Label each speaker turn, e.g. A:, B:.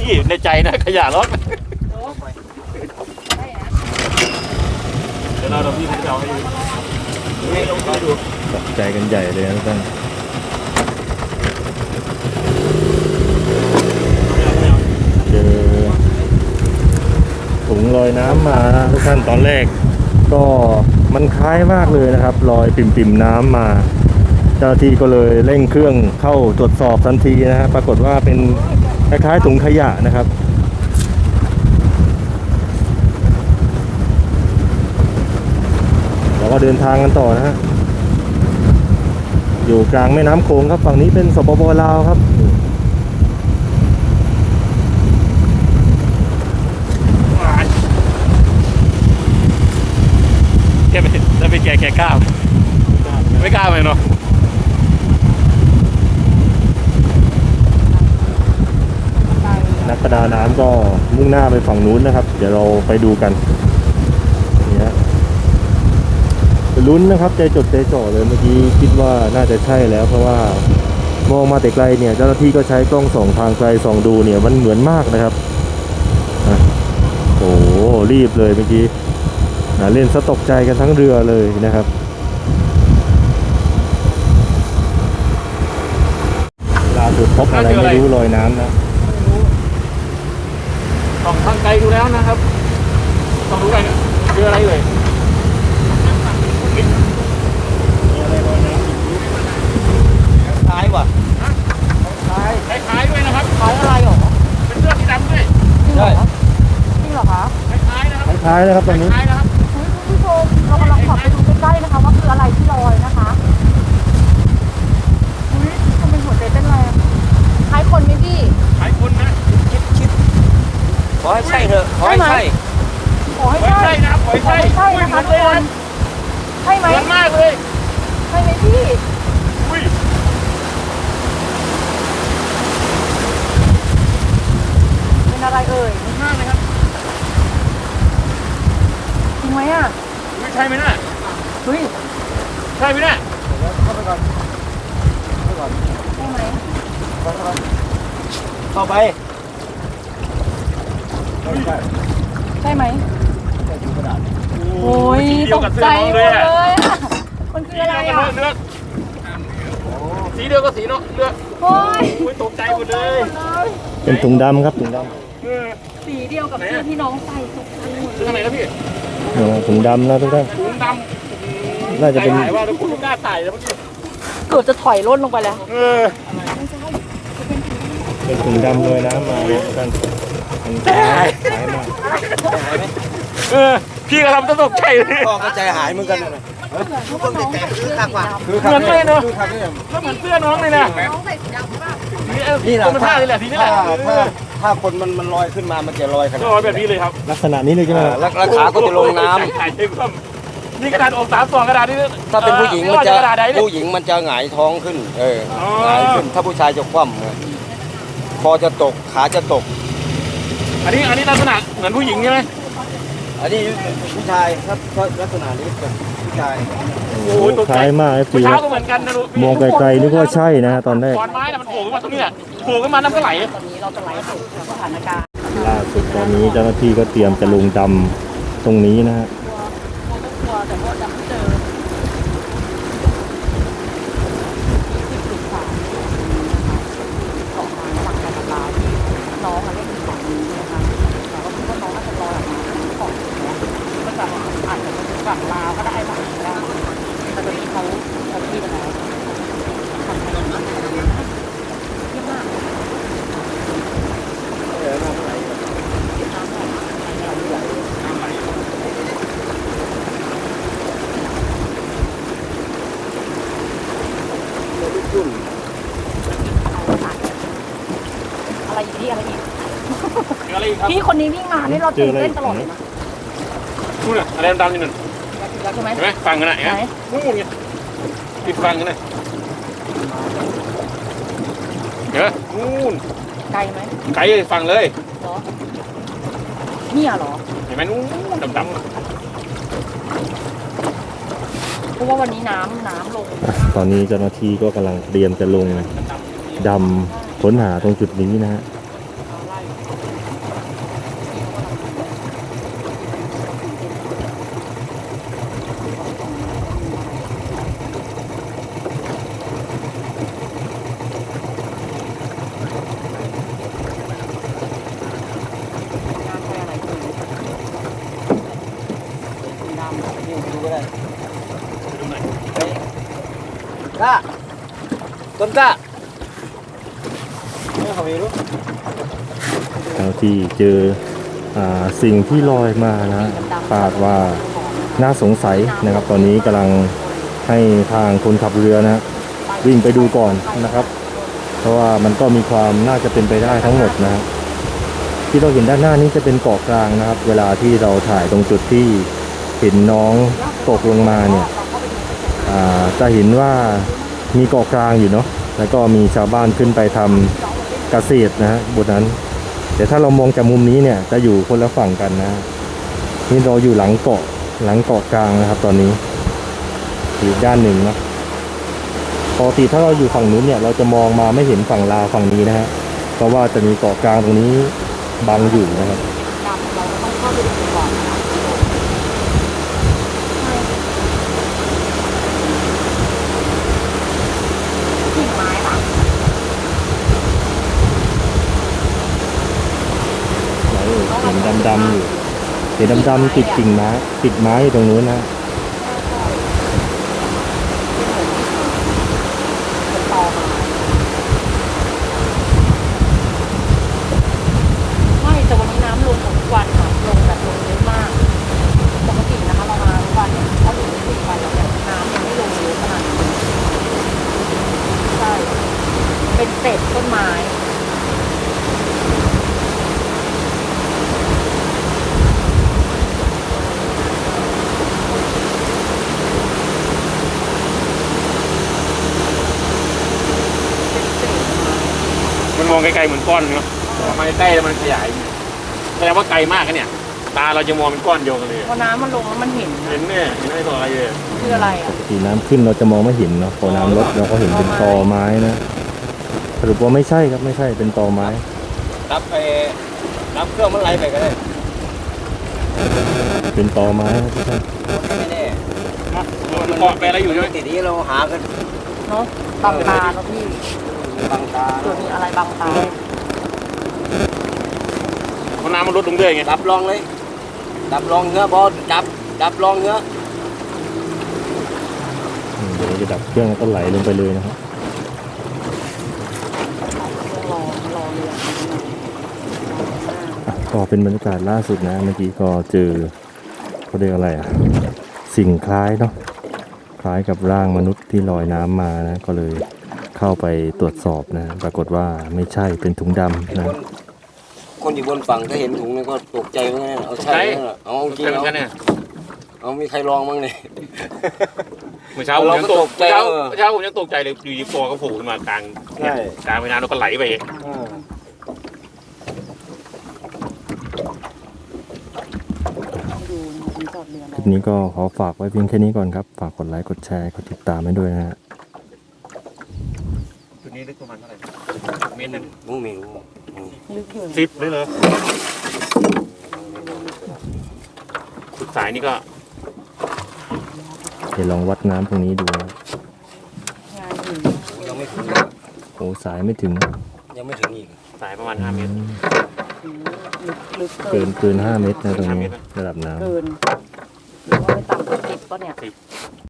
A: พี่ในใจนะขยะรถเดี๋ยวเราพี่จะเอาให้ดูให้ลงดูตกใจกันใหญ่เลยนะทุกท่านเจอถุงลอยน้ำมานะทุกท่านตอนแรกก็มันคล้ายมากเลยนะครับลอยปิ่มๆน้ำมาเจ้าหน้าที่ก็เลยเร่งเครื่องเข้าตรวจสอบทันทีนะฮะปรากฏว่าเป็นคล้ายๆถุงขยะนะครับเราก็เดินทางกันต่อนะฮะอยู่กลางแม่น้ำโขงครับฝั่งนี้เป็นสปป.ลาวครับแกไม่แกกล้าไม่กล้าเลยเนาะนักประดาน้ำก็มุ่งหน้าไปฝั่งนู้นนะครับเดี๋ยวเราไปดูกันนี่ฮะลุ้นนะครับใจจดใจจ่อเลยเมื่อกี้คิดว่าน่าจะใช่แล้วเพราะว่ามองมาแต่ไกลเนี่ยเจ้าหน้าที่ก็ใช้กล้องส่องทางไกลส่องดูเนี่ยมันเหมือนมากนะครับโอ้โหรีบเลยเมื่อกี้เล่นซะตกใจกันทั้งเรือเลยนะครับล่าสุดพบอะไรไม่รู้ลอยน้ำนะส่องทางไกลดูแล้วนะครับส่องดูไกลคืออะไรเลยมีอะไรลอยน้ำคล้ายว่ะคล้ายด้วยนะครับคล้ายอะไรหรอเป็นเสื้อสีดำด้วยใช่จริงเหรอคะคล้ายนะครับคล้ายนะครับตรงนี้
B: คุณผู้ชมเรากำลังขับไปดูใกล้ๆนะคะว่าคืออะไรที่ลอยนะคะทำเป็นหัวใจเต้นแรงคล้ายคนไหมพี่
A: คล้ายคนนะคิดขอให้ใช่เถอะขอให้ใช่
B: ขอให้ใช่นะขอให้ใช่นะคะทุกคนใช่ไหม
A: เหมือนมากเลย
B: ใช่ไหมพี่เป็นอะไรเอ่ย
A: มากเลยครับ
B: จริงไหมอ่ะ
A: ไม่ใช่ไหมน่ะ
B: เฮ้ย
A: ใช่ไหมน่ะเข้าไปก่อน
B: ใช่ไหม
A: เข้าไป
B: ใช่ไหมโอ้ยตกใจหมดเลยมันคืออะไรอ่ะ
A: สีเดียวกับสีเนาะเลือด
B: โอ้ย
A: ตกใจหมดเลยเป็นถุงดำครับถุงด
B: ำสีเดียวกับเสื้อที่น้องใส่ตกใจหมด
A: ทางไหนครับพี่ถุงดำ
B: น่า
A: จะเป็นว่าเราคุณกล้าใส่แล้วเมื่อกี้
B: เกือบจะถอยร่นลงไปแล้ว
A: เป็นถุงดำเลยนะมาท่านหายมากพี่ก็ทำตกใจเลย
C: พ่อก็ใจหายเหมือนกันเลย
B: ทุกคนแต่คือข้างขวา
A: เหมือนเลยเนาะก็เหมือนเสื้อน้องเลยนะ
B: น้องใส่สีดำใช่ป่ะ
C: นี่แหละ
A: ท่านี่แหละทีนี้แหละ
C: ถ้าคนมันลอยขึ้นมามันจะลอยขนาด
A: แบบนี้เลยครับ
C: ลักษณะนี้เลยใช่ไหมแล้วขาก็จะลงน้ำ
A: นี่กระดาษออก3 กระดาษนี่
C: ถ้าเป็นผู้หญิงมันจะหงายท้องขึ้นหงายขึ้นถ้าผู้ชายจะคว่ำคอจะตกขาจะตก
A: อันนี้ลักษณะเหมือนผู้หญิงใช่ไหม
C: อันนี้ผู้ชายครับลักษณะนี้เป็นผู้ชาย
A: โอ้โหคล้ายมากสีก็เหมือนกันนะลูกมองไกลๆนึกว่าใช่นะตอนแรก
B: ขอนไม้มันโผล่ขึ้นมาตรงนี้โผล่ขึ้นมาน้ำก็ไหลตอนนี้เราจะไหลสู่สถานการณ์
A: ล่าสุดตอนนี้เจ้าหน้าที่ก็เตรียมจะลงดำตรงนี้นะฮะ
B: แต่ว่าดำไม่เจอน้องเล่นอยู่ฝั่งนี้นะคะแต่ว่าคิดว่าน้องน่าจะลอยออกมาก่อนแล้วก็จะอาจจะเป็นฝั่งลาวก็ได้ฝั่งนี้ได้แต่ตอนนี้เขาที่ไปแล้วทำอะไรบ้างเยอะมากอะไรอีกที่อะไรอีกพี่คนนี้วิ่งมานี่เราตื่นเต้นตลอดเลยนะ
A: นู่นน่ะอะไรดำๆนี่นั่น
B: ใช่ไหม
A: ฟังกันนะนู่นไงติดฟังกันนะเดี๋ยวนู่น
B: ไกลไหม
A: ไกลฟังเลย
B: เหรอเนี่ยเหรอ
A: เห็นไหมนู่นดำ
B: เพราะว่าวันนี้น้ำลง
A: ตอนนี้เจ้าหน้าที่ก็กำลังเตรียมจะลงดำค้นหาตรงจุดนี้นะฮะ
C: กล้าต้นกล้าไม่เขาไม่รู้
A: แล้วที่เจอสิ่งที่ลอยมานะคาดว่าน่าสงสัยนะครับ ตอนนี้กำลังให้ทางคนขับเรือนะวิ่งไปดูก่อนนะครับ เพราะว่ามันก็มีความน่าจะเป็นไปได้ทั้งหมดนะที่เราเห็นด้านหน้านี้จะเป็นเกาะกลางนะครับ เวลาที่เราถ่ายตรงจุดที่เห็นน้องตกลงมาเนี่ยจะเห็นว่ามีเกาะกลางอยู่เนาะแล้วก็มีชาวบ้านขึ้นไปทำเกษตรนะฮะบนนั้นแต่ถ้าเรามองจากมุมนี้เนี่ยจะอยู่คนละฝั่งกันนะนี่เราอยู่หลังเกาะกลางนะครับ ตอนนี้อีกด้านหนึ่งเนาะปกติถ้าเราอยู่ฝั่งนู้นเนี่ยเราจะมองมาไม่เห็นฝั่งลาวฝั่งนี้นะฮะเพราะว่าจะมีเกาะกลางตรงนี้บังอยู่นะครับ
B: ดำเราก็ต้องเข้าไปดูก่อนนะคะกิ่งไม้ค่ะ
A: เห็นดำๆอยู่เห็นดำๆติดกิ่งไม้ติดไม้อยู่ตรงนู้นนะ
B: เป็นตอไม้ไม่แต่วันนี้น้ำลงหมดทุกวันค่ะลงแบบลงเยอะมากปกตินะคะเรามาทุกวันเนี่ยถ้าอยู่ใน4 วันแล้วเนี่ยน้ำยังไม่ลงเยอะขนาดนี้ใช่เป็นเศษต้นไม้
D: มันมองไกลๆเหมือนก้อนเนาะมาใกล้แล้วมันขยายแสดงว่าไกลมากนะเนี่ย ตาเราจะมองเป็นก้อนเดียวกันเลย
B: พอน้ำมันลงแล้วมันเห็น
D: เห็นเนี่ยเห็นไม่ต่ออะไรเลย
B: คืออะไรอ่ะ
A: ปกติน้ำขึ้นเราจะมองไม่เห็นเนาะพอน้ำลดเราก็เห็นเป็นตอไม้นะสรุปว่าไม่ใช่ครับไม่ใช่เป็นตอไม้
C: รับไปรับเครื่องมันไหลไปก็ได้
A: เป็นตอไม้ครับทุกท่าน
C: ไม่แน่
D: มันเกาะไปอะไรอยู่ใช่ไหม
C: ทีนี้เราหากัน
B: เนาะบังตาเนาะพี่
C: บังตา
B: ตัวมีอะไรบังตา
D: เพราะน้ำมันลดลงเรื่อยไง
C: ดับลองเลยดับลองเนื้อบอดับลองเนื้อ
A: เดี๋ยวเราจะดับเครื่องแล้วก็ไหลลงไปเลยนะครับ
B: รอเรือ
A: ก็เป็นบรรยากาศล่าสุดนะเมื่อกี้ก็เจอเขาเรียกอะไรอะสิ่งคล้ายเนาะคล้ายกับร่างมนุษย์ที่ลอยน้ำมานะก็เลยเข้าไปตรวจสอบนะปรากฏว่าไม่ใช่เป็นถุงดำนะ
C: คนอยู่บนฝั่งถ้าเห็นถุงนี่ก็ตกใจเหมือนกันเอาใช่เอาจริง
D: ใช่เหมือน
C: เอา
D: กันเนี่ย
C: เอามีใครลองบ้างเนี่ย
D: เมื่อเช้าผมยังตกเช้าผมยังตกใจเลยอยู่ดีฟอก็โผล่ขึ้นมากลางกลางแม่น้ำแล้วก็ไหลไป
B: ดูมีจอดเรือ
A: คลิปนี้ก็ขอฝากไว้เพียงแค่นี้ก่อนครับ ฝากกดไลค์กดแชร์กดติดตามให้ด้วยนะฮะ
D: ตัวนี้ลึกประมาณเท่าไหร่เมตรนึง
C: มูมิง
B: ลึกอยู่
D: 10เลยเหรอสุดสายนี่ก็
A: เดี๋ยวลองวัดน้ำตรงนี้ดูนะ
B: งานอยู่
C: ยังไม่ถึง
A: โอ้สายไม่ถึง
C: ยังไม่ถึงอีก
D: สายประมาณ5 เมตร
B: ลึก
A: เกิน5 เมตรนะตรงนี้ระดับน้ำ
B: เกินหรือว่าไม่ต่ำกว่า10ก็เนี่ย